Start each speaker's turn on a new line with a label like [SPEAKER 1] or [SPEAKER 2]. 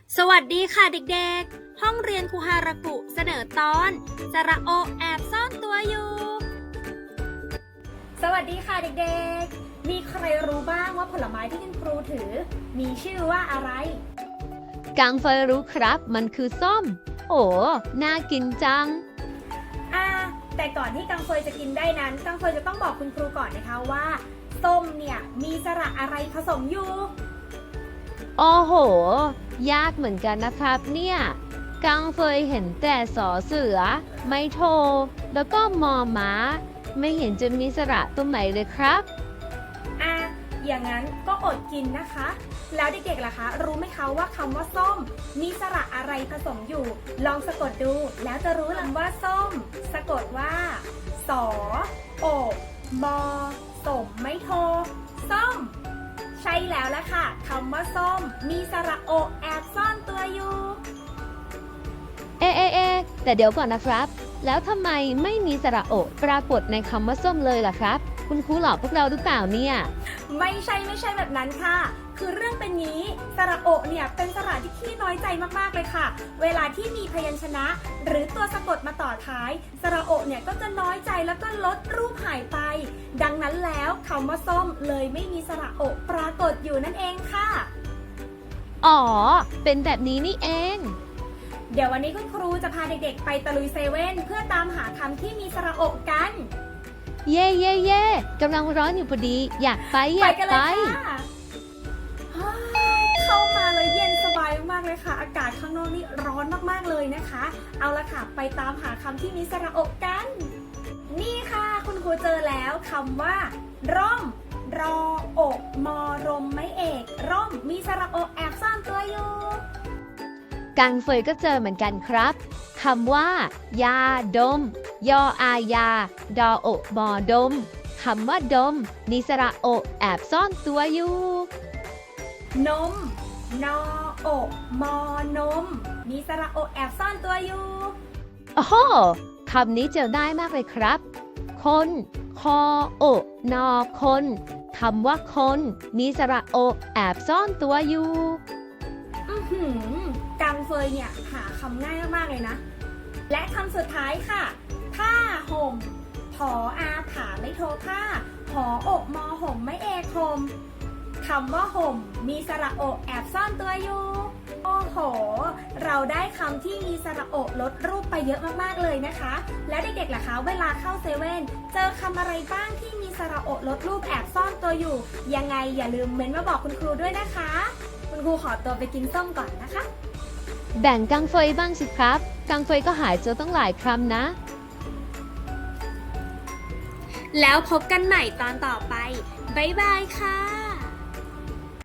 [SPEAKER 1] สวัสดีค่ะเด็กๆ ห้องเรียนครูฮารากุเสนอตอนสระโอแอบซ่อนตัวอยู่ สวัสดีค่ะเด็กๆ มีใครรู้บ้างว่าผลไม้ที่คุณครูถือมีชื่อว่าอะไร
[SPEAKER 2] กังเฟยรู้ครับมันคือส้ม โอ้ น่ากินจัง
[SPEAKER 1] แต่ก่อนที่กังเฟยจะกินได้นั้นกังเฟยจะต้องบอกคุณครูก่อนนะคะว่าส้มเนี่ยมีสระอะไรผสมอยู่
[SPEAKER 2] โอ้โห ยากเหมือนกันนะครับเนี่ย กังเฟยเห็นแต่สอเสือ ไม่โท แล้วก็มอม้า ไม่เห็นจะมีสระตรงไหนเลยครับ
[SPEAKER 1] อย่างนั้นก็อดกินนะคะ แล้วเด็กๆล่ะคะ รู้ไหมคะว่าคำว่าส้มมีสระอะไรผสมอยู่ ลองสะกดดูแล้วจะรู้คำว่าส้ม สะกดว่าสอโอมอสมไม่โทส้ม ใช่แล้วละค่ะคำว่าส้มมีสระโอแอบซ่อนตัวอยู่
[SPEAKER 2] แต่เดี๋ยวก่อนนะครับ แล้วทำไมไม่มีสระโอปรากฏในคำว่าส้มเลยล่ะครับ คุณครูหลอกพวกเราหรือเปล่าเนี่ย
[SPEAKER 1] ไม่ใช่แบบนั้นค่ะ คือเรื่องเป็นนี้สระโอเนี่ยเป็นสระที่ขี้น้อยใจมากๆเลยค่ะ เวลาที่มีพยัญชนะ หรือตัวสะกดมาต่อท้ายสระโอเนี่ยก็จะน้อยใจแล้วก็ลดรูปหายไป ดังนั้นแล้วคำว่าส้มเลยไม่มีสระโอปรากฏอยู่นั่นเองค่ะ
[SPEAKER 2] อ๋อ เป็นแบบนี้นี่เอง
[SPEAKER 1] เดี๋ยววันนี้คุณครูจะพาเด็กๆไปตะลุยเซเว่นเพื่อตามหาคำที่มีสระโอกัน
[SPEAKER 2] เย่กำลังร้อนอยู่พอดี อยากไป
[SPEAKER 1] กันเลยค่ะเข้ามาเลยเย็นสบายมากๆเลยค่ะ อากาศข้างนอกนี่ร้อนมากๆเลยนะคะ เอาละค่ะไปตามหาคำที่มีสระโอกัน นี่ค่ะคุณครูเจอแล้วคำว่าร่มรออกมอรมไม่เอกร่มมีสระโอแอบซ่อนตัวอยู่
[SPEAKER 2] กังเฟยก็เจอเหมือนกันครับคำว่า ยาดม ยออายา ดอโอบอดมคำว่าดมมีสระโอแอบซ่อนตัวอยู่
[SPEAKER 1] นมนออกมอนม มีสระโอแอบซ่อนตัวอยู่
[SPEAKER 2] โอ้โหคำนี้เจอได้มากเลยครับ คน คอโอนอคนคำว่าคนมีสระโอแอบซ่อนตัวอยู่
[SPEAKER 1] กังเฟยเนี่ยหาคำง่ายมากๆเลยนะ และคำสุดท้ายค่ะ ผ้าห่มผออาผาไม่โทผ้าหออกมอห่มไม่เอกห่มคำว่าห่มมีสระโอแอบซ่อนตัวอยู่ โอ้โห เราได้คำที่มีสระโอลดรูปไปเยอะมากๆเลยนะคะ แล้วเด็กๆล่ะคะเวลาเข้าเซเว่นเจอคำอะไรบ้างที่มีสระโอลดรูปแอบซ่อนตัวอยู่ ยังไงอย่าลืมเม้นต์มาบอกคุณครูด้วยนะคะ คุณครูขอตัวไปกินส้มก่อนนะคะ
[SPEAKER 2] แบ่งกังเฟยบ้างสิครับ กังเฟยก็หายเจอตั้งหลายคำนะ
[SPEAKER 1] แล้วพบกันใหม่ตอนต่อไป บ๊ายบายค่ะ